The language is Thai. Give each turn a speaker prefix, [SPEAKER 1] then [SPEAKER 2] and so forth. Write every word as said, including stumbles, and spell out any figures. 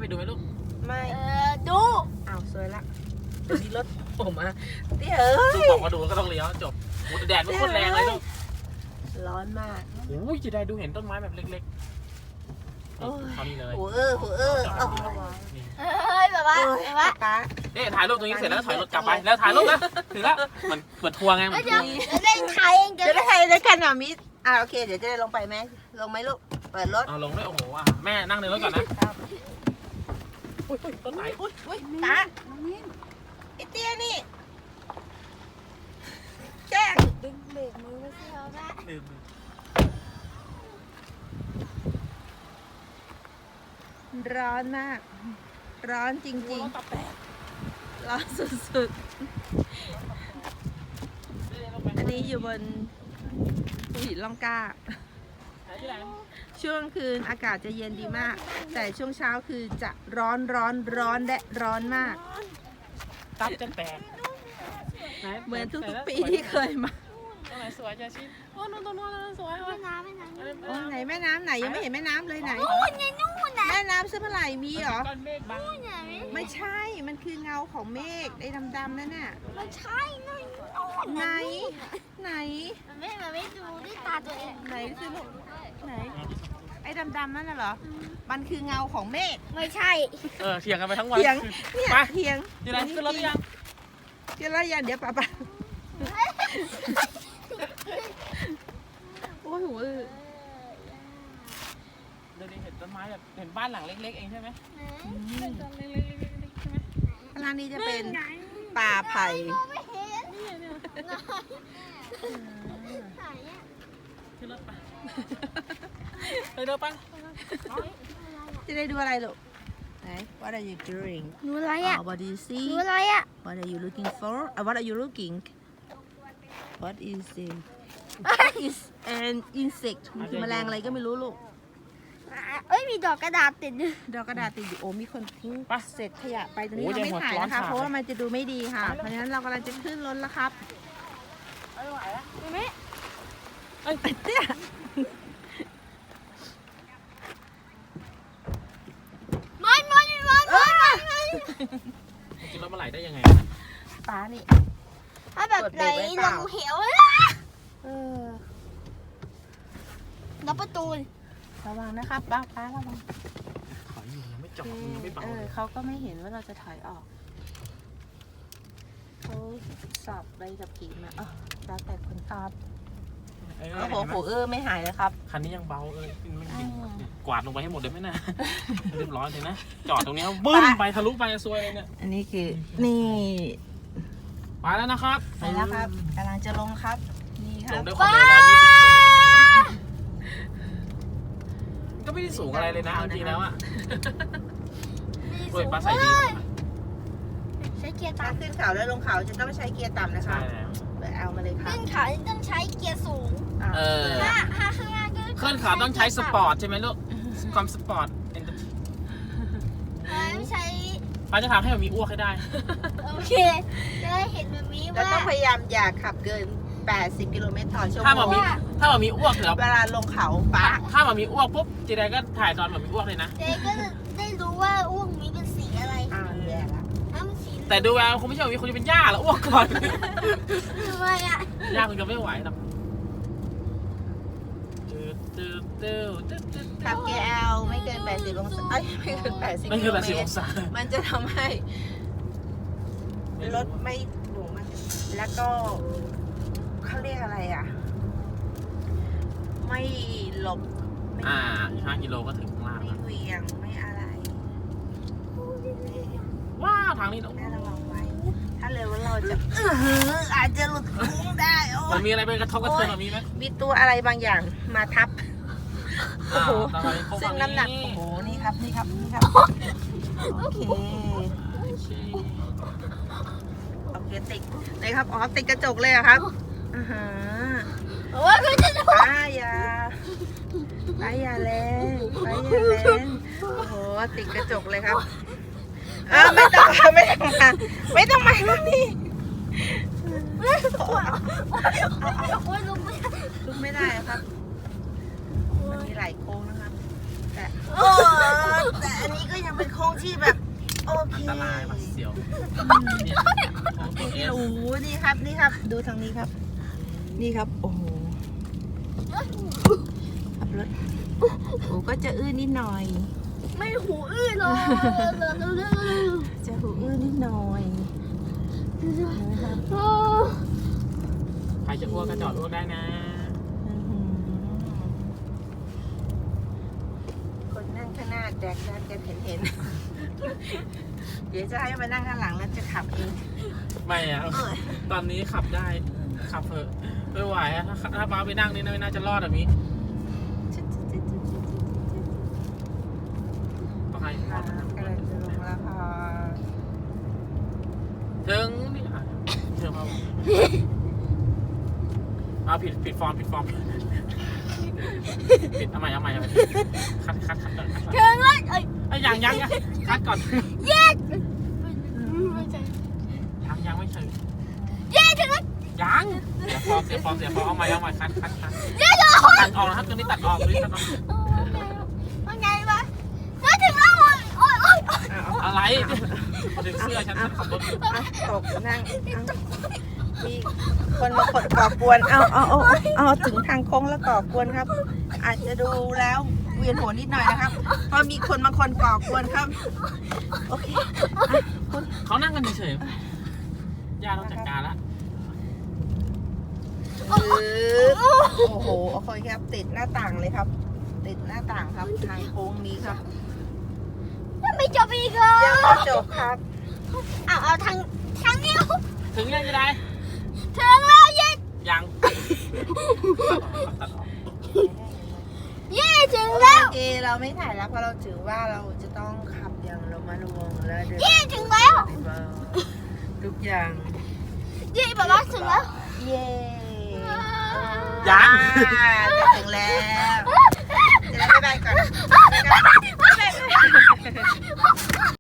[SPEAKER 1] ดูไหมลูก
[SPEAKER 2] ไม่
[SPEAKER 3] เออดู
[SPEAKER 2] อ้าวสวยละเดี๋ยวนี้รถผมอ่ะเตี้ยเอ้ย
[SPEAKER 1] บอกมาดูก็ต้องเลี้ยวจบโอ้แต่แดดมันโคตรแรงเลยลูก
[SPEAKER 2] ร้อนมาก
[SPEAKER 1] โอ้ยจะได้ดูเห็นต้นไม้แบบเล็กๆเขานี่เลย
[SPEAKER 2] โอ้เออโอ้เออเอา
[SPEAKER 3] เฮ้ยแบบว่าแบบว่า
[SPEAKER 2] ป้า
[SPEAKER 1] เนี่ยถ่ายรูปตรงนี้เสร็จแล้วถอยรถกลับไปแล้วถ่ายรูปนะถึงแล้วมันเปิดทัวร์ไงมัน
[SPEAKER 3] จะจะได้ถ่ายเอง
[SPEAKER 2] จะได้ใครได้กันอ่ะมิสอ่าโอเคเดี๋ยวจะได้ลงไปไหมลงไหมลูกเปิดรถ
[SPEAKER 1] เอาลงด้วยโอ้โหแม่นั่งในรถก่อนนะอุ้ยต้นไหนอุ้ย
[SPEAKER 2] อุ้ยตาไอเตี้ยนี่แจ้ง
[SPEAKER 3] ดึงเบรกมือไม่ใช่เหรอแม่
[SPEAKER 1] ลืม
[SPEAKER 2] ร้อนมาก ร้อนจริงๆร้อนสุดๆอันนี้อยู่บนภูหินล่องกล้าช่วงคืนอากาศจะเย็นดีมาก แต่ช่วงเช้าคือจะร้อนร้อนร้อนและร้อนมาก
[SPEAKER 1] ตับจะแตก
[SPEAKER 2] เหมือนทุกๆปีที่เคยมา
[SPEAKER 1] ตรงไหนสวยจ้าชิโอ้นู่นตรงนู้นสวย
[SPEAKER 3] ไม่น้ำไม่น้ำ
[SPEAKER 2] โอ้ไหนแม่น้ำไหนยังไม่เห็นแม่น้ำเลยไหน
[SPEAKER 3] นู่นไงนู่นน่ะ
[SPEAKER 2] แม่น้ำเสื้อผ้าไหลมีเหรอ
[SPEAKER 1] ก้อนเมฆบัง
[SPEAKER 3] นู่นไง
[SPEAKER 2] ไม่ใช่ มันคือเงาของเมฆไอ้ดำๆนั่นน่ะ
[SPEAKER 3] ไม่ใช่นู่นนู่น
[SPEAKER 2] ไหน ไหน
[SPEAKER 3] มันไม่มันไม่ดูด้วยตาตัวเอง
[SPEAKER 2] ไหนสิลูกไหน ไอ้ดำๆนั่นน่ะเหรอ มันคือเงาของเมฆ
[SPEAKER 3] ไม่ใช่
[SPEAKER 1] เออเถียงกันไปทั้งวัน
[SPEAKER 2] เถียง เนี่ย
[SPEAKER 1] ไป
[SPEAKER 2] เถียง
[SPEAKER 1] ที่ไหนขึ้นรถหรือยัง
[SPEAKER 2] เดี๋ยวเราอย่าเดี๋ยวป่าป่าโอ้โห
[SPEAKER 1] เดี๋ยวนี้เห็นต้นไม้แบบเห็นบ้านหลังเล็กๆเองใช่ไหมต้นเล็กๆใช่ไหม
[SPEAKER 2] ร้านนี้จะเป็นป่าไผ่
[SPEAKER 3] ไม่เห็นไหนอ่ะ
[SPEAKER 1] ขึ้นรถไปไปเดินไป
[SPEAKER 2] จะได้ดูอะไรลูกไหน What are you doing
[SPEAKER 3] หนูอะไรอ่ะ
[SPEAKER 2] Oh, what do you
[SPEAKER 3] ห
[SPEAKER 2] see
[SPEAKER 3] นูอะไรอ่ะ
[SPEAKER 2] What are you looking for uh, What are you looking What is it Is an insect มันคือแมลงอะไรก็ไม่รู้ลูก
[SPEAKER 3] เอ้ยมีดอกกระดาษติดอยู่
[SPEAKER 2] ดอกกระดาษติดอยู่โอ้มีคนทิ้ง
[SPEAKER 1] ไป
[SPEAKER 2] เศษขยะไปตรงนี้
[SPEAKER 1] โอ้ย
[SPEAKER 2] เราไม่
[SPEAKER 1] ยังหัว
[SPEAKER 2] ถ่าย
[SPEAKER 1] ร้อน
[SPEAKER 2] นะคะ
[SPEAKER 1] ฉ่ำ
[SPEAKER 2] เพราะว่ามันจะดูไม่ดีค่ะ เพราะฉะนั้นเรากำลังจะขึ้นรถแล้วครับ
[SPEAKER 1] ไม่ไหวแล้ว
[SPEAKER 3] เห็นไหม
[SPEAKER 1] เอ้ย
[SPEAKER 2] เนี่ย
[SPEAKER 3] มันมันมันมันมัน
[SPEAKER 1] กินรถมาไหลได้ยังไง
[SPEAKER 2] ป้านี่
[SPEAKER 3] ถ้าแบบไหนลงเหว
[SPEAKER 2] เออ
[SPEAKER 3] แล้วประตู
[SPEAKER 2] ระวังนะครับป้าป้าระวัง
[SPEAKER 1] ถอยอยู่ยังไม่จอดยังไม่เบา
[SPEAKER 2] เออ
[SPEAKER 1] เลย
[SPEAKER 2] เขาก็ไม่เห็นว่าเราจะถอยออกเขาสอบใบขับขี่มาเออแล้วแต่คนครับ
[SPEAKER 1] เออ
[SPEAKER 2] โอ้โหโหเออไม่หายเลยครับ
[SPEAKER 1] คันนี้ยังเบาเออมันกินกวาดลงไปให้หมดเลยไหมนะเรียบร้อยเลยนะจอดตรงนี้บึ้มไปทะลุไปซวยเลยเนี่ย
[SPEAKER 2] อันนี้คือนี่
[SPEAKER 1] ไปแล้วนะครับ
[SPEAKER 2] ไปแล้วครับกำลังจะลงครับ นี่ค
[SPEAKER 1] ล
[SPEAKER 2] รับ
[SPEAKER 1] งด้วยความเร็วร้อยยี่สิบกิโลเมตรก็ไม่ได้สูงอะไรเลยนะจริงๆแล้วอะโดยปลาใส่ดี
[SPEAKER 3] ใช้เกียร์
[SPEAKER 2] ถ้า
[SPEAKER 3] ต่ำ
[SPEAKER 2] ขึ้นเขาแล้วลงเขาจะต้องใช้เกียร์ต่ำนะคะ
[SPEAKER 1] ใช่แล้ว
[SPEAKER 2] เดี๋ยวเอามาเลยค่ะ
[SPEAKER 3] ขึ้นเขาต้องใช้เกียร์สูง
[SPEAKER 2] า
[SPEAKER 1] เออ
[SPEAKER 3] ถ้าถ้าข้างล่างก็
[SPEAKER 1] เคลื่อนขาต้องใช้สปอร์ตใช่ไหมลูกความสปอร์ต
[SPEAKER 3] ไม่ใช้
[SPEAKER 1] ป้าจะทำให้มันมีอ้วกให้ได้
[SPEAKER 3] โอเคจะได้เห็นแบบนี้
[SPEAKER 2] แล้ว
[SPEAKER 3] ว่า
[SPEAKER 2] ต้องพยายามอย่าขับเกิน แปดสิบ กิโลเมตรต่อชั่ว
[SPEAKER 1] ถ้า
[SPEAKER 2] โม
[SPEAKER 1] มัน
[SPEAKER 2] ง
[SPEAKER 1] มีถ้ามันมีอ้วกเดี๋ยว
[SPEAKER 2] เวลาลงเขาป้า
[SPEAKER 1] ถ้ามันมีอ้วกปุ๊บจีไดก็ถ่ายตอนมันมีอ้วกเลยนะ
[SPEAKER 3] เจ๊ก็จะได้รู้ว่าอ้วกมีเป็นสีอะไร
[SPEAKER 2] อ้าวแย่ละ
[SPEAKER 3] ถ้ามันสี
[SPEAKER 1] แต่ดูแล้วคงไม่ใช่ว่ามีคนที่เป็นหญ้าแล้วอ้วกก่อน
[SPEAKER 3] ทำไมอ่ะ
[SPEAKER 1] หญ้าคงจะไม่ไหวหรอกตื้อตื้อตื้อตื้อตื้อ
[SPEAKER 2] ขับ เค แอล ไม่เกิน แปดสิบ องศาเอ้ยไม่เกิน แปดสิบ
[SPEAKER 1] ไม่คือ
[SPEAKER 2] กิโล
[SPEAKER 1] แบบ
[SPEAKER 2] เม
[SPEAKER 1] สิบ
[SPEAKER 2] ต
[SPEAKER 1] องศา
[SPEAKER 2] มันจะทำให้รถไม่หนูมันแล้วก็เขาเรียกอะไรอ่ะ ไม่หลบไม่
[SPEAKER 1] อ่าอีกห้ากิโลก็ถึงข้างล่าง
[SPEAKER 2] ไม่
[SPEAKER 1] แล้ว
[SPEAKER 2] เหวียงไม่อะไร
[SPEAKER 1] ว้าวทางนี้
[SPEAKER 2] แม่ระวังไว้ ถ้าเร็วเราจะเอออาจจะหลุดโค้งได้โอ้
[SPEAKER 1] มัน
[SPEAKER 2] ย
[SPEAKER 1] มีอะไรไปกระทบกระเทือนแบบนี้ไหม
[SPEAKER 2] มีตัวอะไรบางอย่างมาทับ โอ้โห
[SPEAKER 1] ตอนนี้เขา
[SPEAKER 2] ซึ่
[SPEAKER 1] ฝั่
[SPEAKER 2] ง
[SPEAKER 1] ง
[SPEAKER 2] น้ำหนัก
[SPEAKER 1] นี้
[SPEAKER 2] โอ้โห นี่ครับ นี่ครับ นี่ครับ โอเค โอเค ติดเลยครับ อ๋อ ติดกระจกเลยเหรอครับอ่าฮะ
[SPEAKER 3] โอ้ยก็จะดู
[SPEAKER 2] ป้าอย่าป้าอย่าแรงป้าอย่าแรงโอ้โห ติดกระจกเลยครับเออไม่ต้องมาไม่ต้องมาไม่ต้องมาตรงนี้
[SPEAKER 3] โอ้ยลุกไม่ได้
[SPEAKER 2] ลุกไม่ได้ครับ มันมีหลายโค้งนะครับ แต่แต่อันนี้ก็ยังเป็นโค้งที่แบบโอเค
[SPEAKER 1] อันตรายมาเสียวเนี่ยโอ้ตัวเอส
[SPEAKER 2] โอ้โหนี่ครับนี่ครับ ดูทางนี้ครับ นี่ครับ โอ้โหขับรถโอ้ก็จะอื้อนิดหน่อย
[SPEAKER 3] ไม่หูอื้อเลย
[SPEAKER 2] จะหูอื้อนิดหน่อยนะครับ
[SPEAKER 1] ใครจะอ้วกก็จอดอ้วกได้นะ
[SPEAKER 2] อื้อหือคนนั่งข้างหน้าแดกดันกันเห็นเห็นๆเดี๋ยวจะให้มานั่งข้างหลังแล้วจะขับเอง
[SPEAKER 1] ไม่อะตอนนี้ขับได้ขับเถอะไม่ไหวอะถ้าถ้าป้าไปนั่งนี่ไม่น่าจะรอดแบบนี้ต้องให้พ่อ
[SPEAKER 2] กำลังจะลงแล้วค่ะ
[SPEAKER 1] ถึงนี่อ่ะเชื่อพ่อเอาผิดผิดฟอร์มผิดฟอร์มผิดเอาใหม่เอาใหม่เอาใหม่คัดคัดคัดก่อนคัดก่อน
[SPEAKER 3] ถึงแล้วเอ้ย
[SPEAKER 1] ไอ้ยยังยังยังคัดก่อน
[SPEAKER 3] เย้ไม่ใช่
[SPEAKER 1] ยังยังไม่ถึง
[SPEAKER 3] เย้ถึงแล้ว
[SPEAKER 1] ยังเสียฟอร์มเสียฟอร์มเสียฟอร์มเอาใหม่เอาใหม่คัดคัดคัด
[SPEAKER 3] เย้ถึงแล้ว
[SPEAKER 1] ตัดออกนะครับตัวนี้ตัดออกตัวนี้ตัดออก
[SPEAKER 3] ว่าไงวะเย้ถึงแล้วโอ้ยโอ้ยโอ้ย
[SPEAKER 1] อะไรพอถึงเสื้อฉันฉันขับรถอยู่
[SPEAKER 2] อ่ะตกนั่งเอามีคนมาขดก่อกวน เอาเอาเอาเอาถึงทางโค้งแล้วก่อกวนครับ อาจจะดูแล้วเวียนหัวนิดหน่อยนะครับ เพราะมีคนมาคนก่อกวนครับ โอเคอ่ะคุณ
[SPEAKER 1] เขานั่งกันเฉยๆย่าต้องจัดการละ
[SPEAKER 2] ปึ๊บโอ้โหโอเคครับ ติดหน้าต่างเลยครับ ติดหน้าต่างครับ ทางโค้งนี้ครับ
[SPEAKER 3] ยังไม่จบอีกเหรอ
[SPEAKER 2] ยังไม่จบครับ
[SPEAKER 3] เอาเอาทางทางนี้
[SPEAKER 1] ถึงยังจะได้
[SPEAKER 3] ถึงแล้วเย้
[SPEAKER 1] ยังตัดออก
[SPEAKER 3] เย้ถึงแล้ว
[SPEAKER 2] โอเคเราไม่ถ่ายแล้วเพราะเราถือว่าเราจะต้องขับอย่างระมัดระวังและเดิน
[SPEAKER 3] เย้ถึงแล้ว
[SPEAKER 2] ทุกอย่าง
[SPEAKER 3] เย้บอกว่าถึงแล้ว
[SPEAKER 2] เย้
[SPEAKER 1] ยัง
[SPEAKER 2] อ่าจะถึงแล้ว